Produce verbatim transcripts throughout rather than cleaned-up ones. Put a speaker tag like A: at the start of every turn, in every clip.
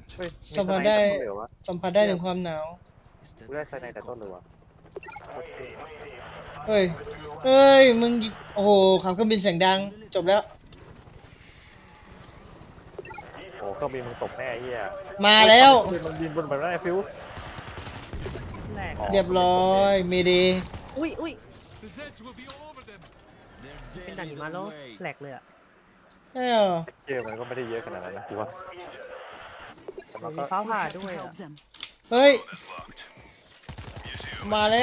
A: เฮ้ยมี
B: สัม
A: ส
B: ผัส
A: ไน
B: ได้
A: ด์เหลือวะ
B: สัมผัสได้ถึงความหนาว
A: กูได้สไนด์แต่ต้นเลยวะ
B: เฮ้ยเฮ้ยมึงยิโอ้โหขับเครื่องบินเสียงดังจบแล้ว
A: โอ้เครื่องบินมึงตกแน่ไอ้เหี้ย
B: มาแล้ว
A: เครื่องบินมันบินบนแบบนั้นไอ้ฟิว
C: แหลก
A: อ๋อ
B: เรียบร้อยเมเด
C: อุ้ยอุ้ย
D: The Zeds will be all over them.
C: เป็นด่านหิมะแล้วแหลกเลยอ่ะ
B: ใช่เหรอ
A: เกมมันก็ไม่ได้เยอะขนาดนั้นนะกูว่าแต่มัน
C: มี
A: ก็
C: ฟ้า
E: We
C: ผ่า
E: have to
C: ด้วยอ่ะ
E: help them.
B: เฮ้ยมาแล้ว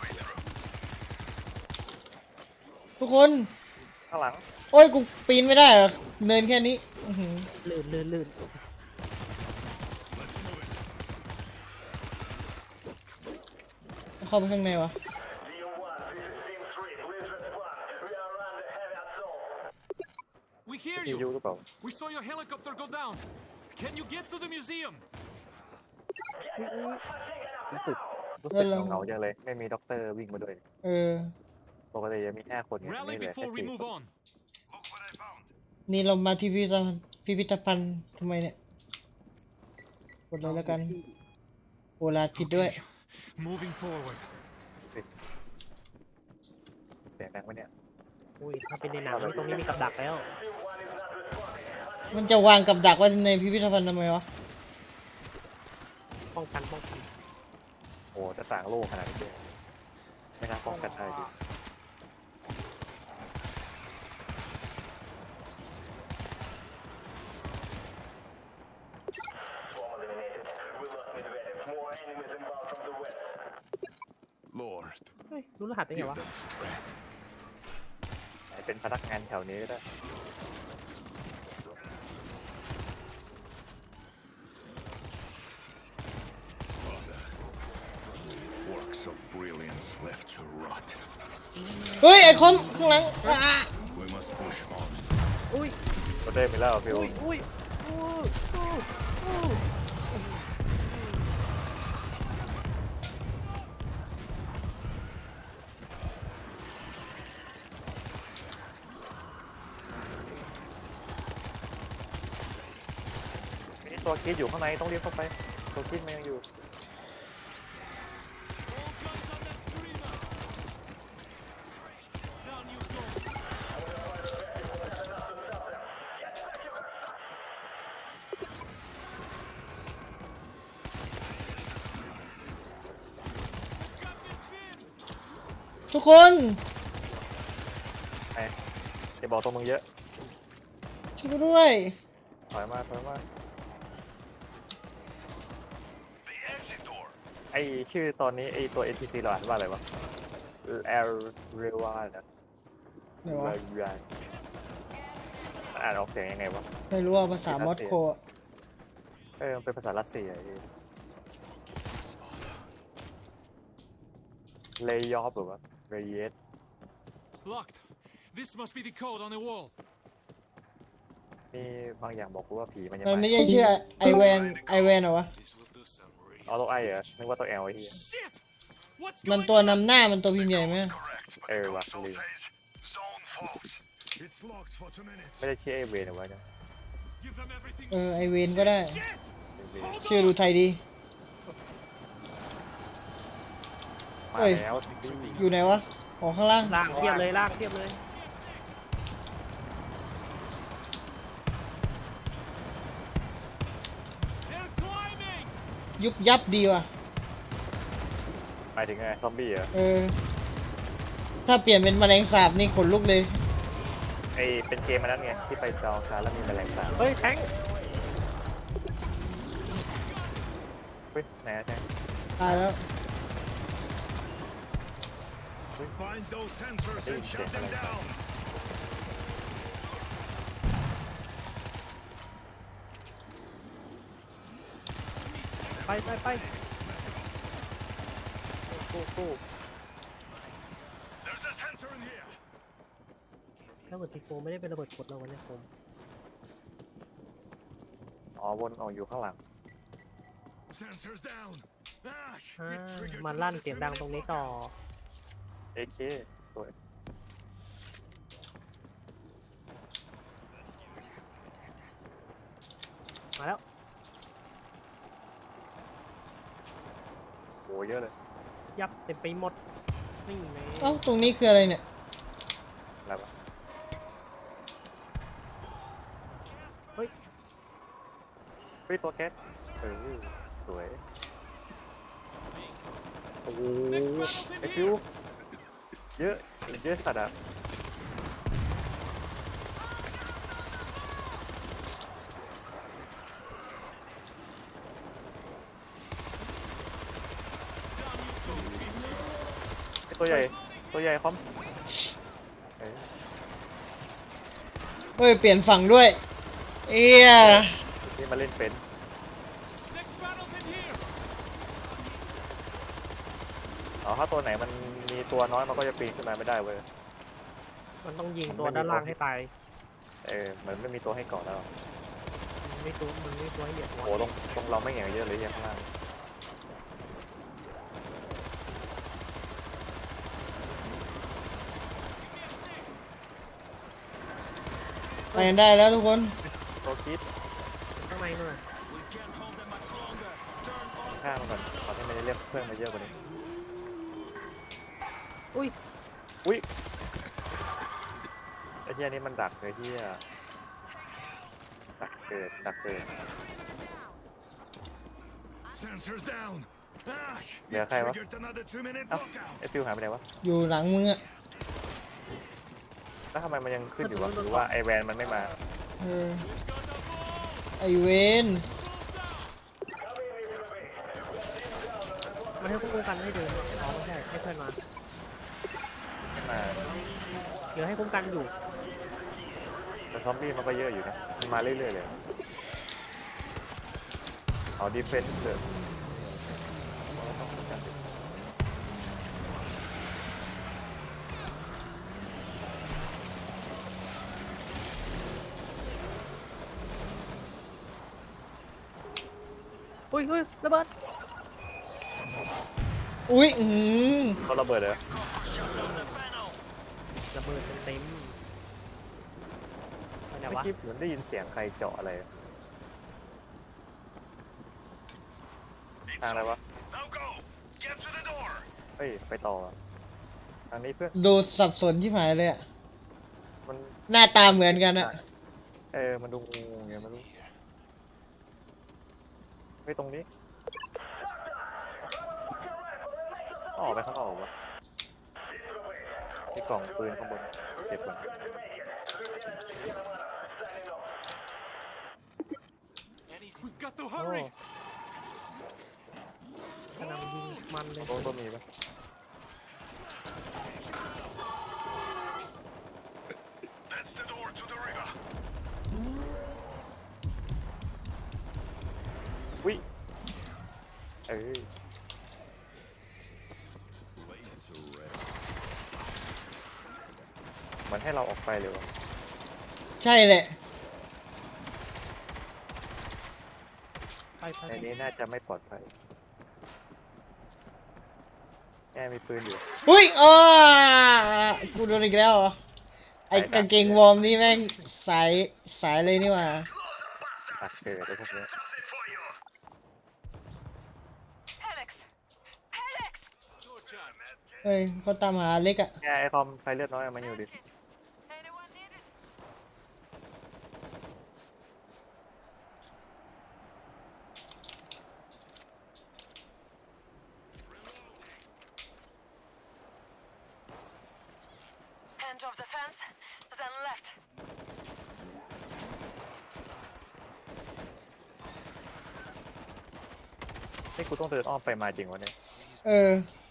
B: ทุกคน
A: ข้างหลัง
B: โอ้ยกูปีนไม่ได้เหรอเนินแค่นี้อื้อหือ
C: ลื่นลื่นลื่น
B: เข้าไปข้างในวะ
D: We hear
A: มียู
D: you.
A: หรือเปล่า
D: We saw your helicopter go down. Can you get to the museum?
A: รู้สึกรู้สึกเหงาๆจังเลยไม่มีด็อกเตอร์วิ่งมาด้วย
B: เออ
A: ปกติจะมีห้าคนไง
D: Rally
A: นี่เหลือแค่
D: before we
A: สี่
D: move
A: คน
D: on.
B: นี่เรามาที่พิพิธภัณฑ์พิพิธภัณฑ์ทำไมเนี่ยกดเลยแล้วกันโอลาผิดด้วย
D: Moving forward.
A: เสียงดังไหมเนี่ย
C: อุ้ยถ้าเป็นในหนังนี่ตรงนี้มีกับดักแล้ว
B: มันจะวางกับดักไว้ในพิพิธภัณฑ์ทำไมวะ
C: ป้องกันป้องกัน
A: โอ้จะต่างโลกขนาดนี้เลยไม่น่าป้องกันได้ดิ
F: Lord,
C: เฮ้ยรู้รหัสได้ไง
F: give
C: วะ
F: them strength.
A: เป็นพนักงานแถวนี้ก็ได้
F: Works of brilliance left to rot.
B: เฮ้ยไอคอนข้างหลังอ่ะ
F: We must push on.
C: อุ้ย
A: ก็ได้ไปแล้วฟิว
C: อุ้ยอุ้ยอุ้ยอุ้ยอุ้ย
A: มีตัวคิดอยู่ข้างในต้องรีบเข้าไปตัวคิดมันยังอยู่
D: All guns on that screamer. Down you go.
B: ทุกคน
A: ไอ้จะบอกตัวมึงเยอะ
B: ช่วยกูด้วย
A: ถอยมาถอยมาไอชื่อตอนนี้ไอตัว เอ็น พี ซี เราอ่านว่าอะไรวะ L เรวานะ
B: ไหนวะ
A: อ่านออกเสียงยังไงวะ
B: ไม่รู้ว่าภาษามอสโกอะ
A: เออมันเป็นภาษารัสเซียเลยอฟหรือวะเรเยส
D: Locked. This must be the code on the wall.
A: นี่บางอย่างบอกกูว่าผีมันยัง
B: มันไม่
A: ไม่
B: ใช่ชื่อไอแวนไอแวนเหรอวะ
D: This will do some real.
A: เอาตัวไอเหรอนึกว่าตัวแอลไอ้เหี้ย
D: Shit! What's
B: มัน
D: going
B: ตัวนำหน้ามันตัวพิมพ์ใหญ่ไหม
A: เออว่ะลืม
F: It's locked for two minutes.
A: ไม่ได้ชื่อไอเวนเอาไว้นะ
D: Give them everything.
B: เออไอเวนก็ได้
D: Shit!
B: ชื่อดูไทยดี
A: มา
B: เฮ้ย
A: แล้ว
B: อยู่ไหนวะของข้างล่าง
C: ล่างเทียบเลยล่างเทียบเลย
D: They're climbing!
B: ยุบยับดีว่ะ
A: หมายถึงไงซอมบี้เหรอ
B: เออ ถ้าเปลี่ยนเป็นแมลงสาบนี่ขนลุกเลย
A: ไอเป็นเกมมันนั้นไงที่ไปจองคาแล้วมีแมลงสาบ
C: เฮ้ยแทง
A: เฮ้ยไหนอะแท้ง
B: ตายแล้ว
F: Find those sensors and shut them down.
C: ไปไปไปกูกู
F: There's a sensor in here.
C: ระเบิดทีโฟไม่ได้เป็นระเบิดกดเราวันนี้ผม
A: อ๋อวนออกอยู่ข้างหลัง
F: Sensors down. Ash,
C: อ่า
F: it triggered
C: มาลั่นเสียงดังตรงนี้ต่อ
A: เอเคสวย
C: มาแล้ว
A: เยอะเลย
C: ยับเต็มไปหมดนี่ไง
B: เอ้าตรงนี้คืออะไรเนี่ย
A: แล้วอะ
C: เฮ้ย
A: เฮ้ยตัวแก๊สเออสวยโอ้โห
D: Next battle's in
A: ไอฟิว
D: here.
A: เยอะเยอะสัตว์อะไอ้ตัวใหญ่ตัวใหญ่คอมเอ้ย
B: เฮ้ย เปลี่ยนฝั่งด้วย เอีย
A: นี่มาเล่นเป็น
D: Next battle's in here.
A: อ๋อถ้าตัวไหนมันมีตัวน้อยมันก็จะปีนขึ้นมาไม่ได้เว้ย
C: มันต้องยิงตัวด้านล่างให้ตาย
A: เออเหมือนไม่มีตัวให้เกาะแล้ว
C: มันไม่ตัวมันไม่ตัวให้เหยียบหัว
A: โอ้ตรงตรงเราไม่อย่างเยอะเลยอย่างข้างล่าง
B: ไปกันได้แล้วทุกคน
A: ตัวคิด
C: ข้างในนู่นน่ะ
A: ข้างมันก่อนตอนที่ไม่ได้เรียกเพื่อนมาเยอะกว่านี้
C: อุ้ย
A: อุ้ยไอ้เหี้ยนี่มันดักเลยเหี้ยดักเกิดดักเกิด
F: Sensors down. Ah,
A: Yeah,
F: you
A: okay, what?
F: triggered another two-minute
A: Oh.
F: lockout.
A: ไอ้ฟิวหายไปไหนวะ
B: อยู่หลังมึงอะ
A: แล้วทำไมมันยังขึ้นอยู่วะหรือว่าไอแวนมันไม่มา
B: เออ ไอเวน
C: มันให้คุ้มกันให้เดินอ๋อไม่ใช่ให้เพื่อนมา
A: ไม่มา
C: เดี๋ยวให้คุ้มกันอยู่
A: แต่ซอมบี้มันก็เยอะอยู่นะมันมาเรื่อยๆเลยเอาดีเฟนส์เลย
C: อุ้ยอุ้ยระเบิด
B: อุ้ย อืม
A: เขาระเบิดเลย
C: ระเบิดเต็มๆไปไหน
A: เมื่อ
C: วะ
A: กี้เหมือนได้ยินเสียงใครเจาะอะไรทางอะไรวะ
F: Now go. Get to the door.
A: เฮ้ยไปต่อทางนี้เพื่อน
B: ดูสับสนที่หายเลยอะ
A: มัน
B: หน้าตาเหมือนกันอะ
A: เออมันดูงูไงไม่รู้ไปตรงนี้ออกไปข้างนอกวะที่กล่องปืนข้างบนเก็บก่อน
D: We've got to
C: โอ้
D: hurry.
C: กำลังยิงมันเลย
A: โอ้ตัวมีปะ
F: That's the door to the river.
A: วิเอ้ย
F: Laid to rest.
A: มันให้เราออกไปเลยวะ
B: ใช่แหละ
C: ไปไป
A: ในนี้น่าจะไม่ปลอดภัยแกมีปืนอยู่
B: อุ้ยอ๋อกูโดนอีกแล้วเหรอ ไอ้กางเกงวอร์มนี่แม่งสายสายเลยนี่หว่า
A: ตักเกิดแล้วพวกนี้
D: Door charge.
B: เฮ้ยเขาตามหาเล็กอะ
A: แกไอคอมใครเลือดน้อยเอามาอยู่ดิ
E: End of the fence, then left.
A: นี่กูต้องเดินอ้อมไปมาจริงวะเนี่ย
B: เออ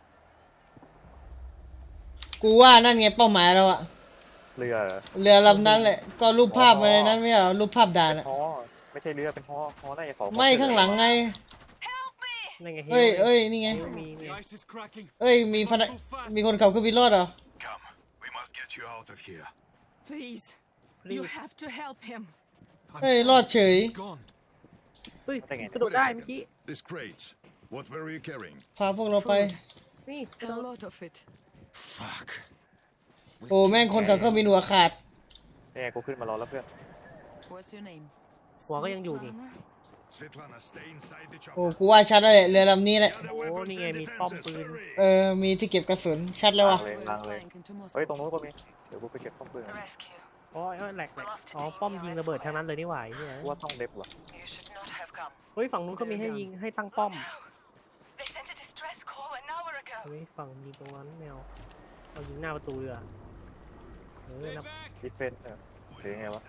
B: กูว่านั่นไงเป้าหมายเราอะ
A: เรือเหรอ
B: เรือลำนั้นแหละ ก็รูปภาพมาในนั้นไม่เหรอรูปภาพด่าน
A: เป็น
B: อะ
A: ฮอไม่ใช่เรือเป็นฮอฮอน่าจะของ
B: ไม่ข้างหลังไง
E: Help me!
C: นั่นไง
B: เอ้ยเอ้ยนี่ไง
C: ฮิวมีมี
D: The ice is cracking.
B: เอ้ย มีพนักมีคนขับเครื่องบินรอดเหรอ
F: Come. We must get you out of here.
E: Please,
C: Please.
E: you have to help him.
D: I'm
B: เฮ้ย
D: sorry.
B: รอดเฉย
D: He's gone.
C: เฮ้ย
A: ได้ไง
C: กระโดด
F: Wait a
C: ได้
F: second.
C: เมื่อกี้
F: This crates. What were you carrying?
B: พาพวกเราไป
C: นี่กระ
E: A
C: โดด
E: lot of it.
F: Fuck.
B: โอ้แม่งคนขับเครื่องบินหัวขาด
A: นี่ไงกูขึ้นมารอแล้วเพื่อน
E: What's your name?
C: หัวก็ยังอยู่นี่
E: Svetlana?
F: Svetlana, stay inside the
B: โอ้
F: chopper.
B: กูว่าชัดแล้วแหละเรือลำนี้แหละ
F: Gather
C: โอ้
F: weapons
C: นี่ไง
F: and
C: มีป้อม
F: defenses.
C: ปืน
F: Hurry.
B: เออมีที่เก็บกระสุนชัดแล้ว
A: วา
B: ว่ะ
A: งเลย
E: We're
A: วางเลย
E: flying into
A: เฮ้ย
E: Moscow.
A: ตรงนู้นก็มีเดี๋ยวกูไปเก็บป้อมปืนก่อน
E: Rescue.
C: อ๋อเอ้ยแหลกแหลกอ๋อป้อมยิงระเบิดทางนั้นเลยนี่หว่าไอ้เนี่ย
A: กูว่าต้องเด็บว่ะ
E: You should not have come.
C: เฮ้ยฝั่งนู้นก็มีให้ยิงให้ตั้งป้อม
E: They sent a distress call an hour ago.
C: เฮ้ยฝั่งยิงตรงนั้นแมวเอายิงหน้าประตูเลยอ่ะเออ
D: Stay
C: นะ
D: back.
A: ดิเฟนเออหรือยังไงวะ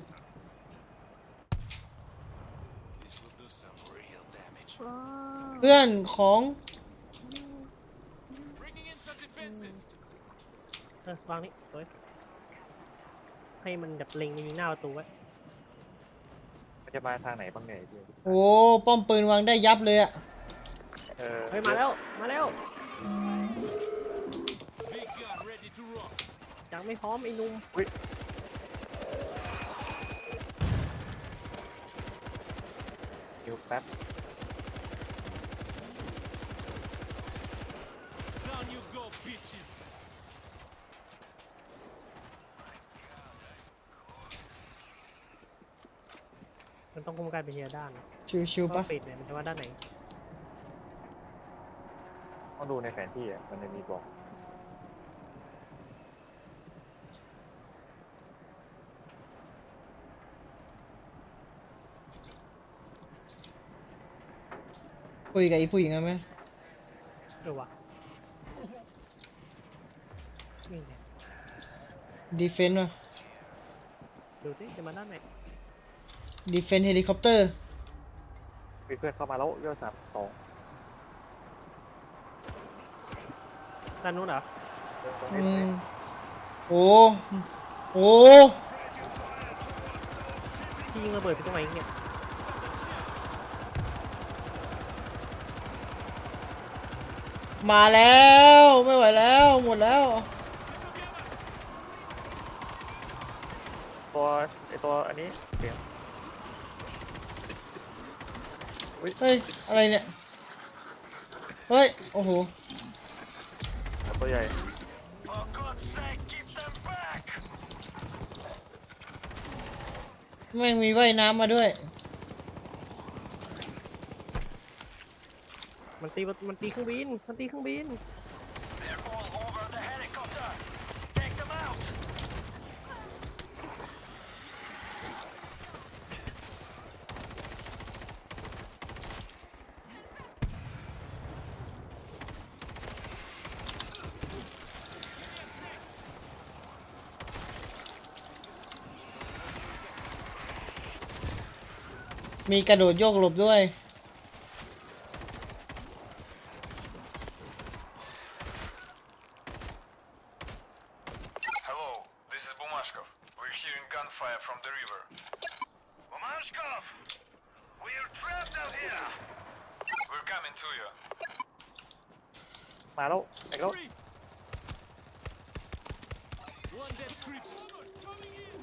D: This will do some real damage.
B: เพื่อนของ
D: Bringing in some defenses.
C: เออวางนี่เฮ้ยให้มันแบบเล็งยิงหน้าประตูไว้
A: มันจะมาทางไหนบ้างเนี่ยไอ้เหี้ย
B: โอ้ป้อมปืนวางได้ยับเลยอะ
A: เออ
C: เฮ้ยมาแล้วมาแล้ว
D: Big gun ready to rock.
C: ยังไม่พร้อมไอ้หนุ่ม
A: คิวแป๊บ
D: Down you go, bitches.
C: มันต้องคุมการเป็นทีละด้าน
B: ชิวๆปะ
C: ปิดเนี่ยมันจะว่าด้านไหน
A: ต้องดูในแผนที่อ่ะมันจะมีบอก
B: คุยกับไอ้ผู้หญิงอะไหม
C: เออวะนี่ไง
B: ดีเฟนต์วะ
C: ดูสิจะมาด้านไหน
B: ดีเฟนต์เฮลิคอปเตอร์
A: มีเพื่อนเข้ามาแล้วยอดสามสอง
C: ด้านนู้นเหรอ
B: อืมโอ้โอ้
C: ที่ยิงระเบิดไปตรงไหนเนี่ย
B: มาแล้วไม่ไหวแล้วหมดแล้ว
A: ตัวไอตัวอันนี้เสียง
B: เฮ้ยอะไรเนี่ยเฮ้ยโอ้โห
A: ตัวใหญ่
F: For God's sake, keep them back.
B: แม่งมีว่ายน้ำมาด้วย
C: มันตีมันตีเครื่องบินมันตีเครื่องบิน
F: They're all over the helicopter. Take them out.
B: มีกระโดดโยกหลบด้วย
G: Hello, this is Bumashkov. We're hearing gunfire from the river.
F: Mamashkov, we're trapped out here.
G: We're coming to you.
A: มาแล้วไอ้แล้ว
D: Creep. One dead creep. Coming in.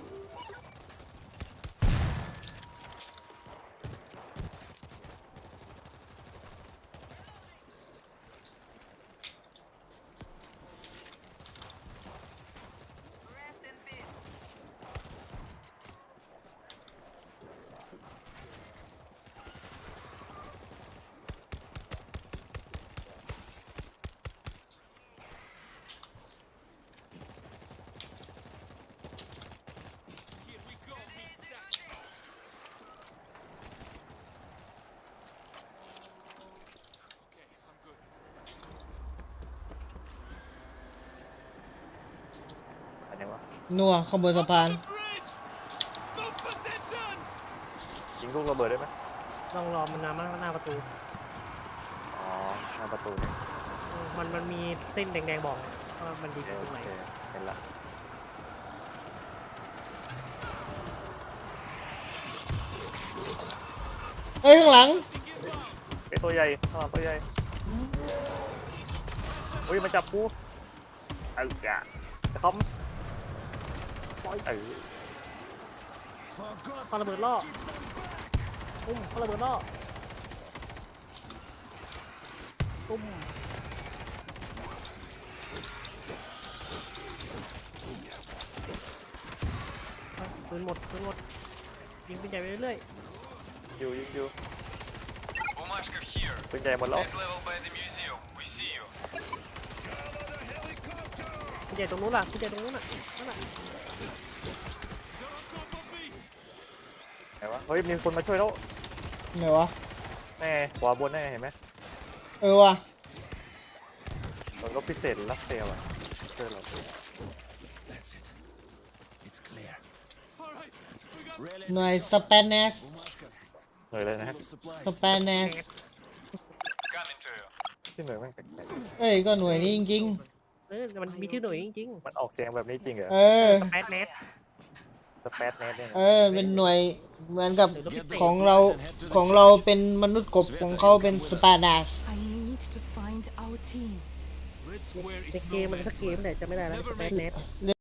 A: อันนี้วะ
B: นัวข้างบนสะพาน
D: The bridge. No possessions.
A: ยิงลูกระเบิดได้ไหม
C: ต้องรอมันนามาหน้าประตู
A: อ๋อหน้าประตูเนี่ย
C: เออมันมันมีเส้นแดงๆบอกว่ามันดี
A: โอ
C: ตรงไหน
A: เคเห็นละ
B: เฮ้ยข้างหลัง
A: ไอตัวใหญ่ข้างหลังตัวใหญ่อุ้ยมันจับกูเอ้ยอ่ะจะเขาปล่อยเออ
F: For God's
C: ปาระเบิดล่อตุ้มปาระเบิดล่อตุ้มเอาปืนหมดปืนหมดยิงปืนใหญ่ไปเรื่อยๆ
A: อยู่ยิงอยู่
G: Bumashkov here.
A: ปืนใหญ่หมดแล้ว
G: Mid level by the museum. We see you.
C: พี่ใหญ่ตรงนู้นล่ะพี่ใหญ่ตรงนู้นน่ะนั่นน่ะ
A: ไหนวะเฮ้ยมีคนมาช่วยแล้ว
B: ไหนวะ
A: แน่ขวาบนแน่เห็นไหม
B: เออว่ะ
A: รถรถพิเศษรัสเซลอะช่วยเรา
F: That's it. It's clear.
D: All right, we got
B: หน่วยสเปนเนส
F: Bumashkov.
A: หน่อยเลยนะ
F: Full of supplies.
B: สเปนเนส
G: Coming to you.
A: ที่หน่วยแม่งแปลก
B: เอ้ยก็หน่วยนี้จริง
C: เออมันมีที่หน่วยจริง
A: ๆมันออกเสียงแบบนี้จริงเหรอ
B: ๆ เออ
C: ๆแปดเมตร
A: สเปซเนสเนี่ย
B: เออ เป็นหน่วยเหมือนกับของเราของเราเป็นมนุษย์กบของเขาเป็นสปาดาส
H: I need to find our team.
D: let's swear
C: ใน
D: it's
C: เกม
D: no
C: มันสัก
D: man's
C: เกม
D: land.
C: แต่จะไม่ได้แล้ว
D: Never
C: แปด
D: make
C: เมตร